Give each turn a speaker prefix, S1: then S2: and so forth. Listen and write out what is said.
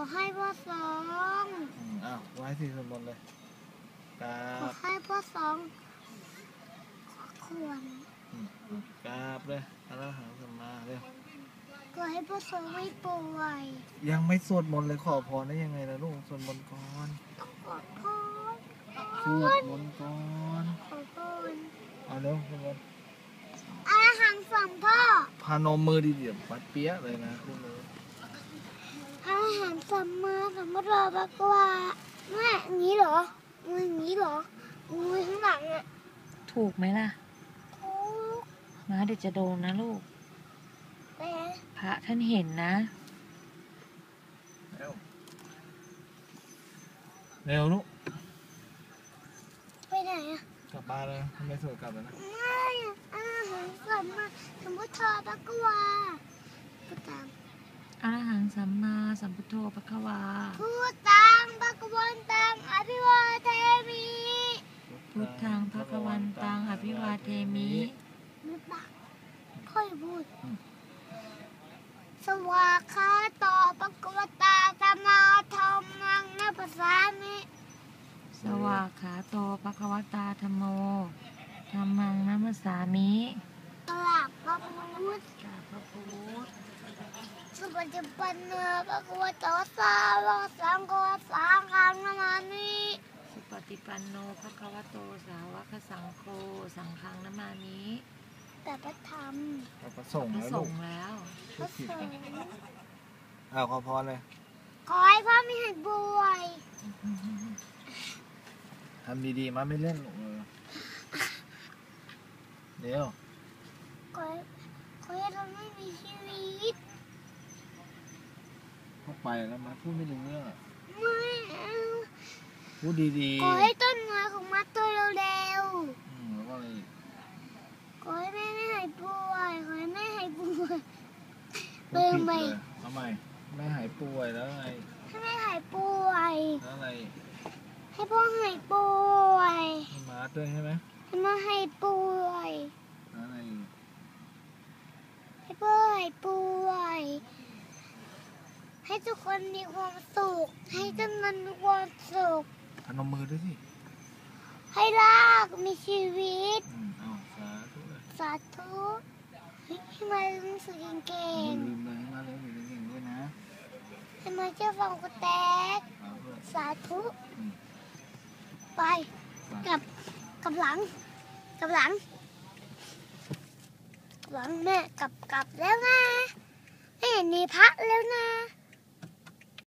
S1: ให้พ่อสอง
S2: อ้าวไว้ที่สมบูรณ์เลยกรา
S1: ขอบให้พ่อสองควร
S2: กราบเลยอรหังสัมมาเร็ว
S1: ก็ให้พ่อสองไม่ป่วย
S2: ยังไม่สวดมนต์เลยขอพรได้ยังไงล่ะลูกสวดมนต์ก่อน
S1: ขอพร
S2: สวดมนต์ก่อน
S1: ขอพร
S2: เอาเร็วสวดมนต์
S1: อรหังสัมพ่อ
S2: พานมมือดีเดี๋ยวปัดเปี้ยเลยนะคุณเลย
S1: อรหังสัมมาสัมพุทโธพระกวาแม่อย่างนี้เหรออย่างนี้เหรอมือข้างหลังอ่ะ
S3: ถูกไหมล่ะ
S1: ถูก
S3: นะเดี๋ยวจะโดนนะลูกพระท่านเห็นนะ
S2: เร็วลูก
S1: ไปไหนอ่ะ
S2: กลับบ้านเลยทำไมสวยกลับแล้วนะ
S1: ไม่อาหารสัมมาสัมพุทโธพระกวาพูดตาม
S3: อรหังสัมมาสัมพุทโธพระคะวา
S1: พูดตามพระกวันตังอภิวาเทมิ
S3: พุทธังพระคะวันตังอภิวาเทมิ
S1: ไม่ปะค่อยพูดสวากขาโตภะคะวตาธัมมาธัมมังนัปสามิ
S3: สวากขาโตภะคะวตาธัมโมธัมมังนัมสสามิ
S1: กราบพระพุทธสุปฏิปันโนภะคะวะโตสาวกสังโฆสังฆังนามามิ
S3: สุปฏิปันโนภะคะวะโตสาวกสังโฆสังฆังนามามิ
S1: แต่พระธรรม
S2: พระสงฆ์
S3: แล้ว
S1: พระสงฆ์
S2: เอาขอพรเลย
S1: ขอให้พ่อไม่หายป่วย
S2: ทำดีๆมาไม่เล่นหรอกเดี๋ยว
S1: ขอให้เราไม่มีชีวิต
S2: เข้าไปแล้วมาพูดไม่รู้เรื่อง
S1: ไม่เอา
S2: พูดดี
S1: ๆขอให้ต้นไม้ของมัดตัวเร็ว
S2: ๆแล้วก็อะไรอีก
S1: ขอให้แม่ไม่หายป่วยขอให้แม่หายป่วย
S2: เติมไปทำไมแม่หายป่วยแล้วไง
S1: ให้แม่หายป่วย
S2: แล้วอะไร
S1: ให้พ่อหายป่วย
S2: ให้มาด้วยใช่ไหม
S1: ให้แม่หายป่วย
S2: แล้วอะไร
S1: ให้พ่อหายป่วยให้ทุกคนมีความสุขให้จำนวนมีความสุข
S2: พนมมือด้วยสิ
S1: ให้ลากมีชีวิตสาธุให้มาเรียนหนังสือเก่ง
S2: ๆลืมเลยให้มาเรียนหนังสือเก่งด้วยนะ
S1: ให้มาเชื่อฟังกูแตกสาธุไปกับหลังแม่กลับแล้วนะไม่เห็นมีพระแล้วนะ